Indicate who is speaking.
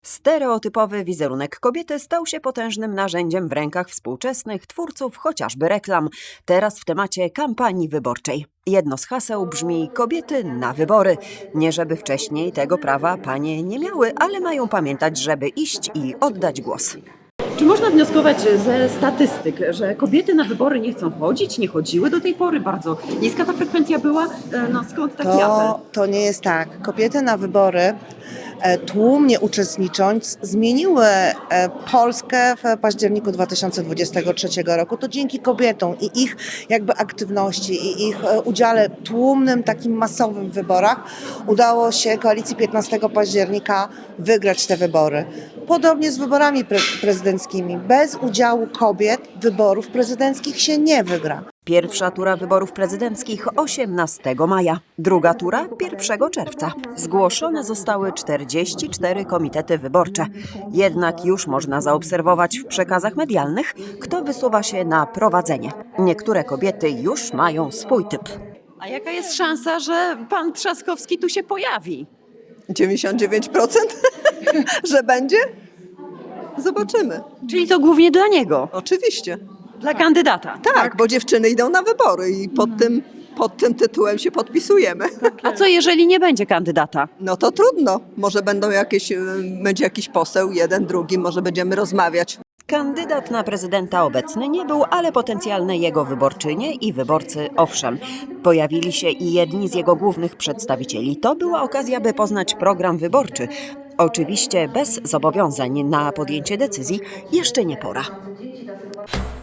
Speaker 1: Stereotypowy wizerunek kobiety stał się potężnym narzędziem w rękach współczesnych twórców chociażby reklam. Teraz w temacie kampanii wyborczej. Jedno z haseł brzmi: kobiety na wybory. Nie żeby wcześniej tego prawa panie nie miały, ale mają pamiętać, żeby iść i oddać głos.
Speaker 2: Czy można wnioskować ze statystyk, że kobiety na wybory nie chcą chodzić, nie chodziły do tej pory? Bardzo niska ta frekwencja była. No skąd taki apel?
Speaker 3: To nie jest tak. Kobiety na wybory tłumnie uczestnicząc zmieniły Polskę w październiku 2023 roku. To dzięki kobietom i ich jakby aktywności i ich udziale tłumnym, takim masowym w wyborach udało się koalicji 15 października wygrać te wybory. Podobnie z wyborami prezydenckimi. Bez udziału kobiet wyborów prezydenckich się nie wygra.
Speaker 1: Pierwsza tura wyborów prezydenckich 18 maja, druga tura 1 czerwca. Zgłoszone zostały 44 komitety wyborcze. Jednak już można zaobserwować w przekazach medialnych, kto wysuwa się na prowadzenie. Niektóre kobiety już mają swój typ.
Speaker 2: A jaka jest szansa, że pan Trzaskowski tu się pojawi?
Speaker 4: 99%, że będzie? Zobaczymy.
Speaker 2: Czyli to głównie dla niego,
Speaker 4: Oczywiście.
Speaker 2: dla kandydata.
Speaker 4: Tak, bo dziewczyny idą na wybory i pod tym tytułem się podpisujemy.
Speaker 2: A co jeżeli nie będzie kandydata?
Speaker 4: No to trudno. Może będzie jakiś poseł, jeden, drugi, może będziemy rozmawiać.
Speaker 1: Kandydat na prezydenta obecny nie był, ale potencjalne jego wyborczynie i wyborcy owszem. Pojawili się i jedni z jego głównych przedstawicieli. To była okazja, by poznać program wyborczy. Oczywiście bez zobowiązań na podjęcie decyzji jeszcze nie pora.